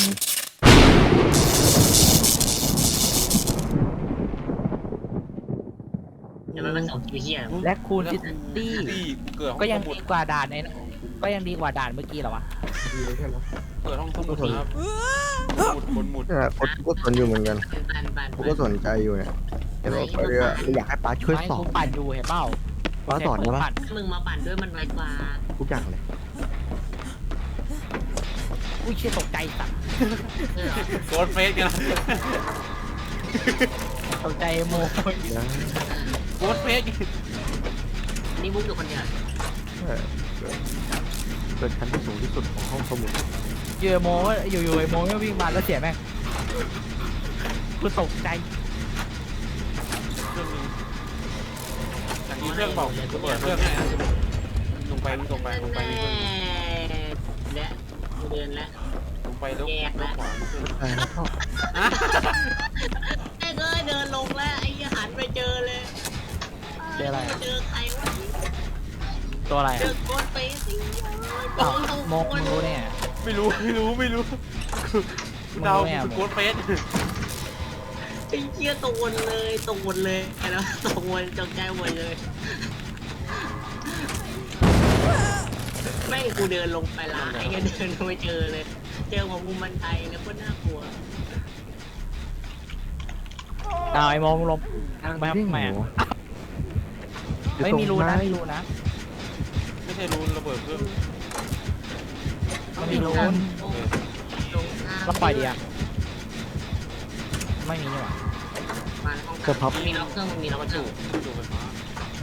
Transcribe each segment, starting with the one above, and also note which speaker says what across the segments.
Speaker 1: เดี๋ยวมันเป็นสองคิวเฮีย
Speaker 2: และคูณซิตี้
Speaker 3: เกิดห้
Speaker 2: ก็
Speaker 3: อง
Speaker 2: ยั
Speaker 3: ส
Speaker 2: ง
Speaker 3: มุด
Speaker 2: ดีกว่าด่านในก็ยังดีกว่าด่านเมื่อกี้เหรอวะ
Speaker 4: ดีเลยใช่ไหม
Speaker 3: เกิดห้องสมุดครับหมุดหมุด
Speaker 4: เนี่ยกูก็สนอยู่เหมือนกัน
Speaker 1: ปัน
Speaker 4: กูก็สนใจอยู่เนี่ยเห็นว่าไปเรื่อยอยากให้ป้าช่วย
Speaker 2: ไม่
Speaker 4: สอ
Speaker 2: กู
Speaker 4: น
Speaker 2: ปั่นอยู่เห็นเปล่า
Speaker 4: ป้าสอนได้ปะ
Speaker 1: มึงมาปั่นด้วยมันไวกว่า
Speaker 4: ทุกอย่างเลย
Speaker 2: อุ้ยเชี่ยตกใจสัตว์
Speaker 3: โกดเฟสกัน
Speaker 2: ตกใจโม
Speaker 4: นะ
Speaker 3: โกดเฟส
Speaker 1: นี่มุกอยู่คนเดียว
Speaker 4: เกิดชั้นที่สูงที่สุดของห้องสมุด
Speaker 2: เยอะโมอยู่ไอโมก็วิ่งมาแล้วเสียแม่งกูตกใจ
Speaker 3: เครื่องนึงอย่างนี้เครื่องบอกเปิดเครื่องให้ลงไปลงไปลงไปนี่เครื่อง
Speaker 1: และเดินแล้ว
Speaker 3: ลงไปแล้วขวาเครื่อง
Speaker 4: ใช่แล้วก็
Speaker 1: ไอ้เอ้ยเดินลงแล้วไอ้หันไปเจอเลยเจอใครวะ
Speaker 2: ตัวอะไร
Speaker 1: เจอโกดเฟสสิ
Speaker 2: อ้าวโมมึงรู้เนี่ย
Speaker 3: ไม่รู้เดาโกดเฟส
Speaker 1: ไอ้เชี่ยตกวนเลยแล้วตกวนจงใจวนเลยไม่กูเดินลงไปละไอ้เดินลงไปเจอเลยเจอของมุมบันไดแล้วก็น่ากลัว
Speaker 2: เอาไอโมมึงลงไปทำไมไม่มีรูนะไม่มีรูนะ
Speaker 3: ไม่ใช่รูระเบิดเครื่อง
Speaker 2: มันมีรู
Speaker 1: ลง
Speaker 2: ก็ปล่อยดีอะไม่มีนี่หว่า
Speaker 1: มาห้องพับมีล็อกเครื่องมีล็อกประตู
Speaker 3: ดูไฟฟ้า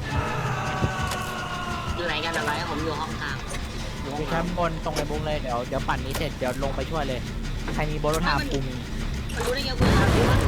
Speaker 1: อยู่ไหนกันอะไรผมอยู่ห้องกลาง
Speaker 2: อยู่ชั้นบนตรงไอ้บุ้งเลยเดี๋ยวปั่นนี้เสร็จเดี๋ยวลงไปช่วยเลยใครมีโบโลทาปุ่ม
Speaker 1: มันรู้ได้ไงกูถามดิว่า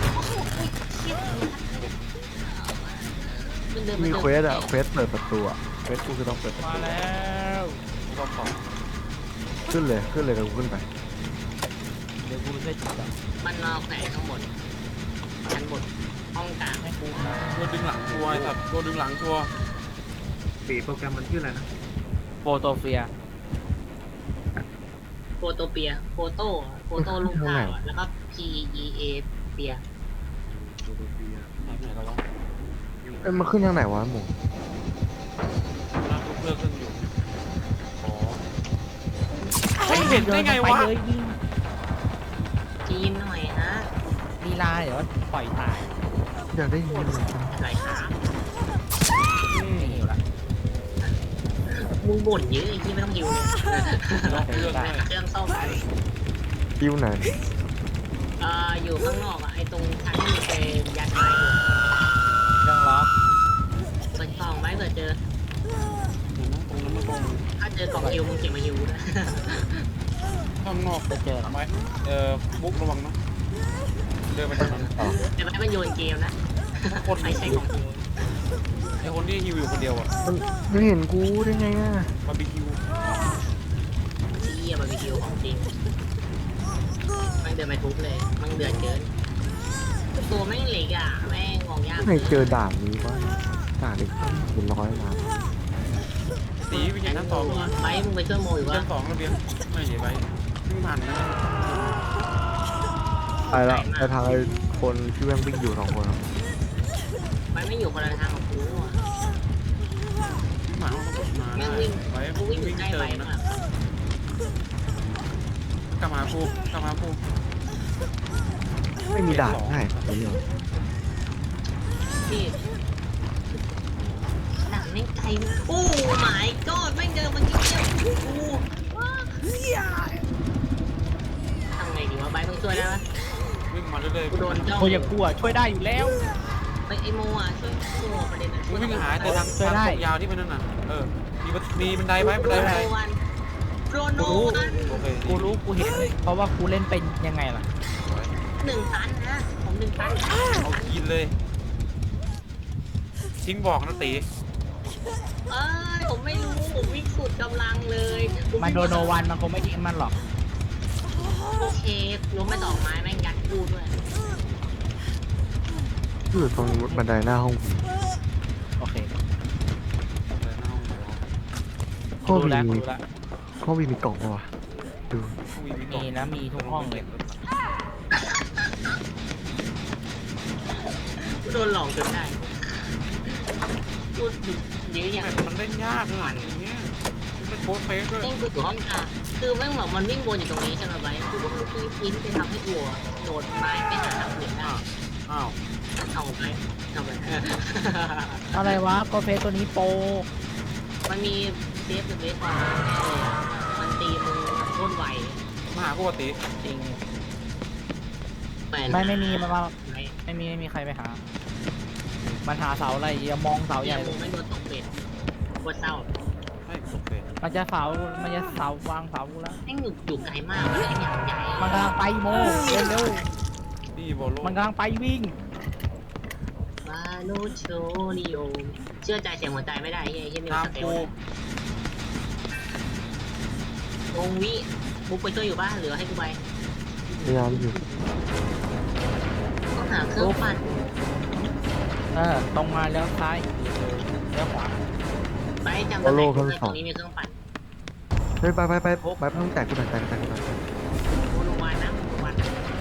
Speaker 1: มันเดิน
Speaker 4: มีเควสอะเควสเปิดประตูอะเควสกูคือต้องเปิดประ
Speaker 2: มา
Speaker 4: ตู
Speaker 2: แล้ว
Speaker 3: รอบสอง
Speaker 4: ขึ้นเลยกับกูขึ้นไป
Speaker 2: เดี๋ยวกูช่วยจุดก่อน
Speaker 1: มันนอกไหนข้างบนชั้นบนห้องกลาง
Speaker 2: ให้กู
Speaker 3: โดนดึงหลังทัวร์ไอ้สัตว์โดนดึงหลังทัวร์
Speaker 4: ปีโปรแกรมมันชื่ออะไรนะ
Speaker 2: โฟโตเฟีย
Speaker 1: โฟโตเปียโฟโต้ลูกข้าวแล้วก็ PEA เปีย
Speaker 3: ไหนเราวะ
Speaker 4: เอ้ยมันขึ้นทางไหนวะหมู
Speaker 3: นั่งเลือกเครื่องอยู่อ๋อไม่เห็นได้ไงวะ
Speaker 2: เลยยิง
Speaker 1: จีนหน่อยฮะ
Speaker 2: ลีลาเดี๋ยวปล่อยตาย
Speaker 4: อยากได้ยินเลย
Speaker 1: ไหลขา
Speaker 2: ไม่หิวละ
Speaker 1: มึงบ่นเยอะไอ้ที่ไม่ต้องหิวเลย
Speaker 3: ล็อกเครื่องด้วย
Speaker 1: เครื่องซ่อม
Speaker 4: คิวไหน
Speaker 1: อยู่ข้างนอกอ่ะไอ้ตรงทางที่มีเป็นยันไม้อยู่
Speaker 2: เครื่องล็อก
Speaker 1: เปิดกล่องไว้เผื่อเจอ
Speaker 3: ตรงนั้นมันตรง
Speaker 1: ถ้าเจอกล่องฮิวมึงเก็บมาฮิวนะ
Speaker 3: ข้างนอก
Speaker 2: จะเจอหรอ
Speaker 3: ทำไมบุ๊กระวังนะเดินไปทางนั้น
Speaker 1: แต่ไม่มันโยนเกมนะ
Speaker 3: คน
Speaker 1: ไม่ใช่ของฮิว
Speaker 3: ไอคนที่ฮิวอยู่คนเดียวอ่ะ
Speaker 4: มันไม่เห็นกูได้ไงอะ
Speaker 3: บาร์บีคิว
Speaker 1: ที่เยี่ยมันมีฮิวของจริงมันเดินไปทุบเลยมันเดือดเกินตัวแม่งเหล็กอ่ะแม่งมองยาก
Speaker 4: ไม่เจอด่านนี้วะด่านอีกเป็นร้อยล้าน
Speaker 3: สีเป็นอย่างชั้นสอง
Speaker 1: ไปมึงไปช่วยโมอยู่วะ
Speaker 3: ชั้นสองระเบียงไม่ใช่ไปวิ่งผ่านนะ
Speaker 4: ไปละไปทางไอ้คนที่แม่งวิ่งอยู่สองคนอะ
Speaker 1: ไปไม่อยู่คนละทางของกูอ่ะ
Speaker 3: วิ่งผ่านห้องสมุดมา
Speaker 1: แม่งวิ่งกูวิ่งอยู่ใกล้ไปมาก
Speaker 3: กลับมากู
Speaker 4: ไม่มีด่านให้ผมเหรอ
Speaker 1: พี่หนังแม่งไกลโอ้ my god แม่งเดินมาเกี่ยวกูทำไงดีวะไบมึงช่วยได้ปะ
Speaker 3: วิ่งมาเรื่อย
Speaker 1: กูโดนเจ้า
Speaker 2: โอ้ยอย่ากลัวช่วยได้อยู่แล้ว
Speaker 1: ไปไอโมอ่ะช่วยโมประเด็นนะ
Speaker 3: ๆวิ่งหาแต่ทางตรงยาวที่มันนั่นน่ะมีบันไดไหมบันไดไหม
Speaker 1: โรนโนวัน
Speaker 3: โอเค
Speaker 2: กูรู้กูเห็นเพราะว่ากูเล่นเป็นยังไงล่ะ
Speaker 1: 1,000นะผม1,000
Speaker 3: เอากินเลยทิ้งบอกนะตี
Speaker 1: ผมไม่รู้ผมวิ่งสุดกำลังเลย
Speaker 2: มันโดนโนวันมันคงไม่ทิ้งมันหรอก
Speaker 1: โอเคล้มไป2 ไม้แม่งยัดกูด้วย
Speaker 4: อยู่ตรงบันไดหน้าห้องผม
Speaker 2: โอเค
Speaker 4: ห้อง
Speaker 2: รู้แล้ว
Speaker 4: วี
Speaker 2: รู้แล้ว
Speaker 4: ห้องวีมีกล่องปะวะดู
Speaker 2: มีนะมีทุกห้องเลย
Speaker 1: กูโดนหลอกจนได้กูยื้ออย่าง
Speaker 3: แต่มันเล่นยากขนาดอย่างเงี้ยมันเป็นโค้ดเฟสด้วย
Speaker 1: เล่นกูอยู่ห้องกลางคือแม่งแบบมันวิ่งวนอยู่ตรงนี้ใช่ไหมไบกูก็ไม่ได้อินไปทำให้กูโดดไม้ไปหาทางอื่นได้
Speaker 3: อ้าว
Speaker 1: เอาไปเอาไป
Speaker 2: อะไรวะโกเฟสตัวนี้โปร
Speaker 1: มันมีเซฟหรือเวฟมามันตีมึงโคตรไว
Speaker 3: มาหาปกติ
Speaker 2: จริง
Speaker 1: แปลก
Speaker 2: ไม่มีมันว่า
Speaker 1: ไม่
Speaker 2: ไม่มีใครไปหา มันหาเสาอะไรอย่ามองเสาให
Speaker 1: อย่า
Speaker 2: ญ่
Speaker 1: มึงไม่โดนตกเป็ดปวดเศร้า
Speaker 3: ให้โอเค
Speaker 2: มันจะเสาวางเสากูแล้ว
Speaker 1: แม่งอยู่ไกลมากมันอย่างใหญ่
Speaker 2: มันกำลังไปโมเร็ว
Speaker 3: นี่โบโล
Speaker 2: ๆมันกำลังไปวิ่ง
Speaker 1: วาโลโชนิโอเชื่อใจเสียงหัวใจไม่ได้เฮ้ยเฮ้ยไม่
Speaker 3: ตาม
Speaker 1: สเตล
Speaker 3: กู
Speaker 1: วงวิบุกไปช่วยอยู่บ้านหรือให้กูไป
Speaker 4: พยายามอยู่
Speaker 1: ต้องหาเครื่องปั่น
Speaker 2: ตรงมาแล้วซ้ายเลี้ยวขวา
Speaker 1: ไปจำตำแหน่งตรงนี้มีเครื่องปั่น
Speaker 4: ไปต้องแตกกูหน่อยแตกกูหน่อย
Speaker 1: โมโนวันนะโมโนวัน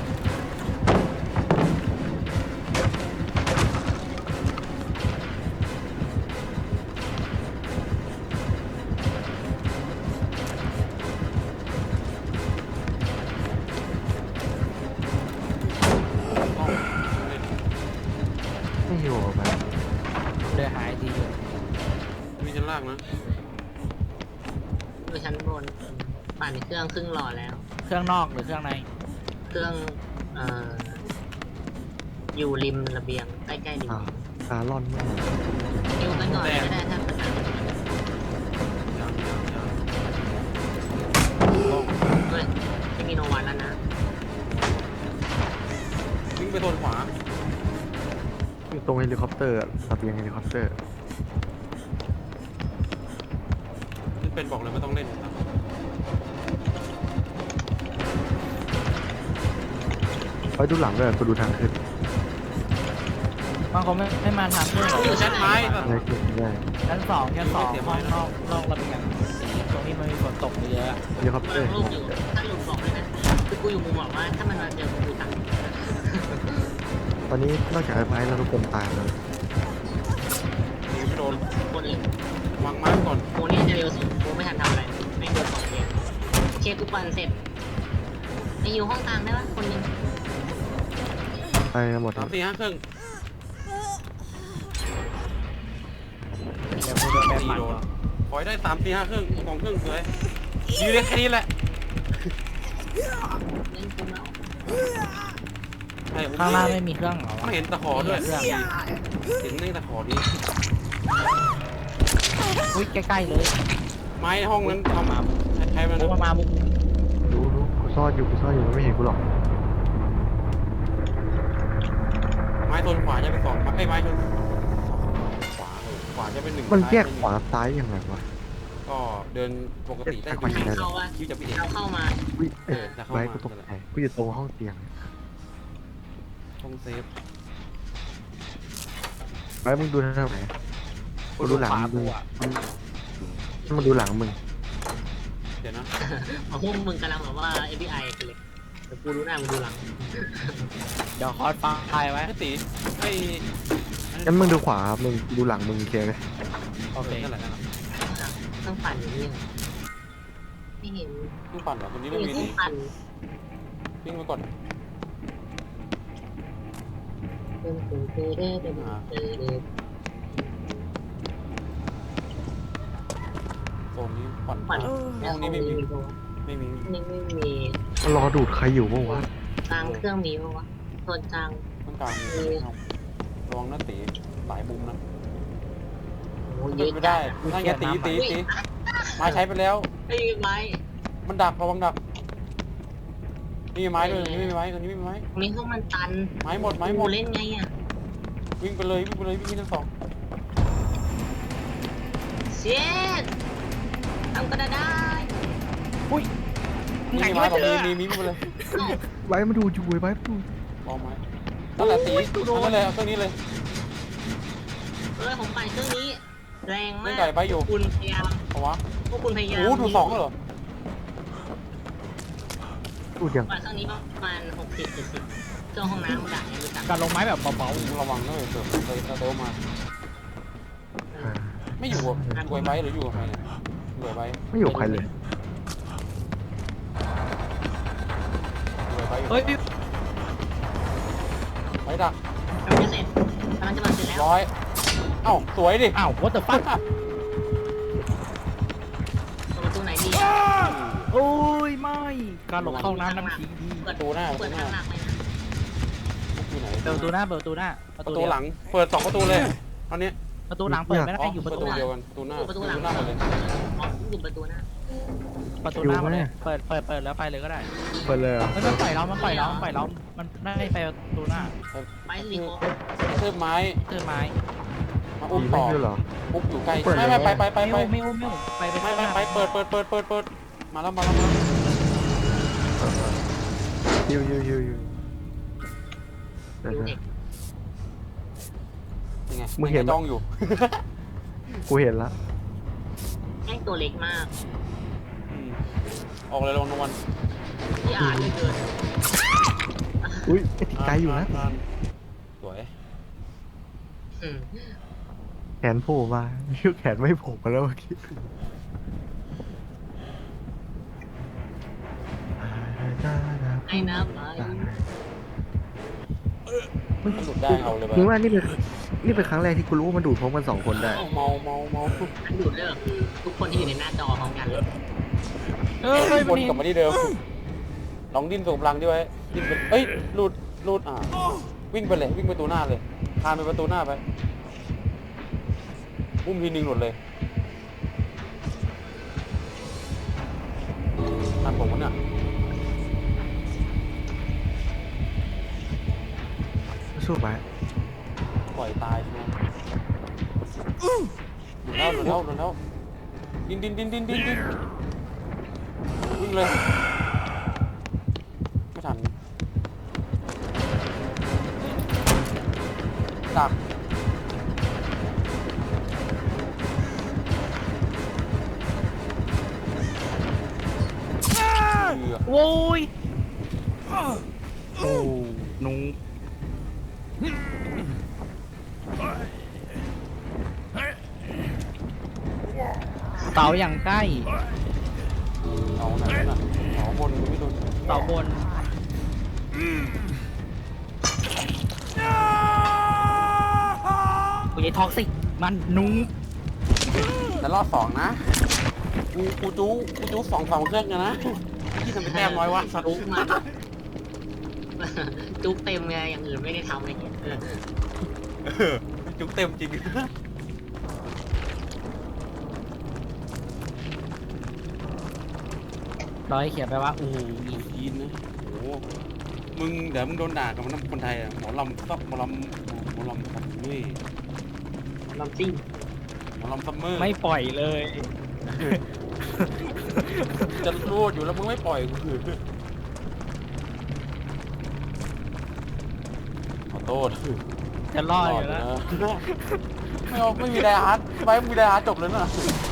Speaker 3: ต้องเล่น
Speaker 4: ไม่หิวออกมา
Speaker 2: เลยหายดีอยู่
Speaker 3: มีชั้นล่างนะ
Speaker 1: ดูชั้นบนปั่นเครื่องครึ่งหล่อแล้ว
Speaker 2: เครื่องนอกหรือเครื่องใน
Speaker 1: เครื่องอยู่ริมระเบียงใกล้ๆริม
Speaker 4: ขาล่อนมาก
Speaker 1: ยิวกันก่อนก็ได้ถ้าปัญหา
Speaker 3: ยัง
Speaker 1: เฮ้ยไม่มีโนวันแล้วนะ
Speaker 3: วิ่งไปโซนขวา
Speaker 4: อยู่ตรงเฮลิคอปเตอร์ระเบียงเฮลิคอปเตอร์
Speaker 3: ที่เป็นบอกเลยไม่ต้องเล่นนะ
Speaker 4: ไปดูหลังด้วยกูดูทางขึ้น
Speaker 2: บางคนไม่มาทางเครื่อง
Speaker 1: อยู่ชั้นไหน
Speaker 4: อะไรขึ้นได้
Speaker 2: ชั้นสองห้องนอกระเบียงตรงนี้มันมีฝนตกเยอะ
Speaker 4: เฮลิคอป
Speaker 1: กู
Speaker 4: เตอร์
Speaker 1: ลูกอยู่ถ้าหลุดบอกเลยนะคือกูอยู่มุมบอกว่าถ้ามันมาเจอกูตัด
Speaker 4: ตอนนี้นอกจากไอ้ไม้แล้วทุกคนตายแล้ว
Speaker 3: หนีไม่โดน
Speaker 1: คนอื่น
Speaker 3: วางไม้ก่อน
Speaker 1: โมนี่จะเร็วสุดโมไม่ทันทำอะไรไม่โดนของเรียนเช็คทุกวันเสร็จไปอยู่ห้องกลางได้ปะคนนึง
Speaker 4: ไปหมด
Speaker 3: 3 4 5เครื่อง
Speaker 2: เดี๋ยวกูโดนแบน
Speaker 3: ตี
Speaker 2: หมัด
Speaker 3: โดนขอให้ได้3 4 5เครื่อง2เครื่องสวยอยู่ได้แค่นี้แหละ
Speaker 1: เล่นกูแล้ว
Speaker 3: ใช่
Speaker 2: ข้างล่างไม่มีเครื่องเหรอ
Speaker 3: ไม่เห็นตะขอด้วย
Speaker 2: เครื่อง
Speaker 3: เห็นในตะขอนี้
Speaker 2: อุ้ยใกล้ๆเลย
Speaker 3: ไม้ห้องนั้นทำมาใช้มัน
Speaker 2: บุกมาบุก
Speaker 4: รู้กูซ่อนอยู่มันไม่เห็นกูหรอก
Speaker 3: ไม้โซนขวาจะเป็น2ไม้ไม้โซนขวาจะเป็น1
Speaker 4: มันแยกขวาซ้ายยังไงวะ
Speaker 3: ก็เดินปกติได้
Speaker 4: ขวาซ้าย
Speaker 1: เข้าว่า
Speaker 3: คิวจะพี่เอก
Speaker 1: เราเข้ามา
Speaker 4: อุ้ย
Speaker 3: จะเข้า
Speaker 4: ไว้
Speaker 3: มา
Speaker 4: กูตกใจกูอยู่ตรงห้องเตียง
Speaker 3: ห้องเซฟ
Speaker 4: ไว้มึงดูทางไหนกูดูหลังมึงมึงดูหลังมึง
Speaker 3: เดี๋ยวนะ
Speaker 1: พวกมึงกำลังแบบว่า FBI กันเลยแต่กูรู้หน้ามึงดูหลัง
Speaker 2: เดี๋ยวคอร์สฟังไทยไว้
Speaker 3: ไอ้ตีไอ้
Speaker 4: งั้นมึงดูขวามึงดูหลังมึงเคลียร์เลย
Speaker 2: โอเค
Speaker 3: นั่นแหละนั่นแหละ
Speaker 1: ต้องปั่นอย่างนี้ไม่เห็น
Speaker 3: เครื่องปั่นเหรอคนนี้
Speaker 1: ไม่
Speaker 3: ไม่
Speaker 1: เห็น
Speaker 3: มี
Speaker 1: ต้อ
Speaker 3: ตี
Speaker 1: งปั่น
Speaker 3: วิ่งไปก่อน โซนนี้ปั่น
Speaker 1: ปั่น
Speaker 3: ห้องนี้ไม่มีไม่มี
Speaker 1: นี่ไม่มี
Speaker 4: มันรอดูดใครอยู่บ้างวะ
Speaker 1: กลางเครื่องมีปะวะโซนกลาง
Speaker 3: ต้องการระวังนะตีหลายมุมนะ
Speaker 1: โอ้
Speaker 3: เป็
Speaker 1: เย
Speaker 3: น
Speaker 1: อะ
Speaker 3: ไม่
Speaker 1: จั
Speaker 3: ได้
Speaker 1: ด
Speaker 3: นั่นไงตีไม้ใช้ไปแล้ว
Speaker 1: ไม่มีไม้
Speaker 3: มันดักระวังดักนี่มีไม้ด้วยนี่ไม่มีไม้คนนี้ไม่มีไม้
Speaker 1: มีพวกมันตัน
Speaker 3: ไม้หมดไม้หม
Speaker 1: กู
Speaker 3: ด
Speaker 1: เล่นไงอ่ะ
Speaker 3: วิ่งไปเลยวิ่งไปเลยวิ่งทั้งสอง
Speaker 1: เช็ดทำก็ได้
Speaker 3: นี่มีไม้ของมีไปเลย
Speaker 4: ไว้มาดูอยู่ไว้มาดู
Speaker 3: มองไม้นั่นแหละตีนั่นเลยเอาเครื่องนี้เลย
Speaker 1: ผมปั่นเครื่องนี้ แรงมา
Speaker 3: เล่น
Speaker 1: ก
Speaker 3: ไก่ไปอยู่
Speaker 1: คุณพยายาม
Speaker 3: เพราะว่า
Speaker 1: พวกคุณพยายาม
Speaker 3: โอ้ถูก2แล้วเหรอ
Speaker 4: พูดยัง
Speaker 1: วันเครื่องนี้ประมาณ60-70เครื่องห้องน้ำด่ายังรู้จัก
Speaker 2: การลงไม้แบบเบา
Speaker 3: ระวังด้วยเกิดเติมมา
Speaker 4: อ่า
Speaker 3: ไม่อยู่กับรวยไบหรืออยู่กับใครเนี่ยรวยไบ
Speaker 4: ไม่อยู่กับใครเลย
Speaker 3: รวยไบอยู่
Speaker 2: ๆเฮ้ย
Speaker 3: ไบดัก
Speaker 1: กำลังจะเสร็จกำลังจะมาเสร็จแล้ว
Speaker 3: ร้อยเอ้าสวยดิ
Speaker 2: อ้าว what the fuck
Speaker 1: เปิดประตูไหนดีอ่ะ
Speaker 2: โอ้ยไม่การหลบเข้าน้ำน้ำผีดี
Speaker 1: เปิด
Speaker 3: ประตูหน้า
Speaker 1: เปิดทางหลักเลยนะ
Speaker 3: อยู่ไหน
Speaker 2: เปิดประตูหน้าเปิดประตูหน้า
Speaker 3: ประตูหลังเปิด2ประตูเลยตอนนี้
Speaker 2: ประตูหลังเปิดไม่ได้อยู่
Speaker 3: ป
Speaker 2: ประ ระ
Speaker 3: ตู
Speaker 2: ตูหลัง
Speaker 3: เดียวกันประตูหน้า
Speaker 1: ประตูหลัง
Speaker 3: หน้าหมดเลย
Speaker 1: อ๋ออยู่ประตูหน้า
Speaker 2: ประตูหน้ามาเลยเปิดแล้วไปเลยก็ได้
Speaker 4: เปิดเลยเหรอ
Speaker 2: มันปล่อยเรามันได้ไปประตูหน้า
Speaker 1: ไปสิโค
Speaker 3: เทืบไม้
Speaker 2: เจอไม้
Speaker 3: มาอุ้ม
Speaker 4: ผี
Speaker 3: ต่
Speaker 4: ไม่
Speaker 3: อ
Speaker 4: ขึ้นเหรอ
Speaker 3: อุ้มอยู่ใกล้
Speaker 4: เปิด
Speaker 3: ไม่
Speaker 4: เลย
Speaker 3: ไป
Speaker 2: ไม่อุ้มไป
Speaker 3: ไม่เปิดมาแล้ว
Speaker 4: ฮิวเดี๋ยว
Speaker 1: ดู
Speaker 4: ๆ
Speaker 1: เด็ก
Speaker 3: ยังไง
Speaker 4: มึงเห็นปะ
Speaker 3: จ้องอยู่
Speaker 4: กูเห็นละ
Speaker 1: แม่งตัวเล็กมาก
Speaker 3: ออกเลยลงนวล
Speaker 1: ที่อ่านไม่เกิน
Speaker 4: อุ้ยติดไกลอยู่นะ
Speaker 3: สวย
Speaker 1: อืม
Speaker 4: แขนโผล่มาชื่อแขนไม่โผล่มาแล้วเมื่อกี้
Speaker 1: ไอ้น้ำไป
Speaker 3: มันหลุดได้เอาเลยไป
Speaker 4: มึงว่านี่เป็นครั้งแรกที่กูรู้ว่ามันดูดพร้อมกัน2 คนได้
Speaker 3: เมา
Speaker 1: อันดูดเลิกทุกคนที่อยู่ในหน้าจอพร้อมกันเลย
Speaker 3: วนกลับมาที่เดิมลองดิ้นส่งพลังดิไว้ดิ้นไปเอ้ยหลุดวิ่งไปเลยวิ่งประตูหน้าเลยคานไปประตูหน้าไปอุ้มทีนึงหลุดเลยทันผมมันเนี่ย
Speaker 4: สู้ไป
Speaker 3: ปล่อยตายใช่ไหมหลุดแล้วดิ้นวิ่งเลยไม่ทันดักเหลือ
Speaker 2: โว้ยโอ้นุ้งเสาอย่างใกล้
Speaker 3: เอาไหนน่ะเอาบนไม่โดน
Speaker 2: เสาบนกูจะท็อกซิกมันนุ้ง
Speaker 3: แล้วรอบ2นะกูจู้2เครื่องกันนะที่ทำเป็นแต้มน้อยวะสัตว์
Speaker 1: จุกมันจุกเต็มไงอย่างอื่นไม่ได้ทำอะไรเงี้ย
Speaker 3: จุกเต็มจริง
Speaker 2: ร้อยเขียนไปว่า
Speaker 3: โอ้โหยีนนะโอ้โหมึงเดี๋ยวมึงโดนด่ากับมันคนไทยอ่ะหมอลำซับหมอลำซับด้วย
Speaker 1: ลำซิ่ง
Speaker 3: หมอลำซัมเมอร์
Speaker 2: ไม่ปล่อยเลย
Speaker 3: จะรูดอยู่แล้วมึงไม่ปล่อยกูขอโทษ
Speaker 2: จะรอดอยู่แล้ว
Speaker 3: ไม่มีไดอาร์ตไปมีไดอาร์ตจบเลยน่ะ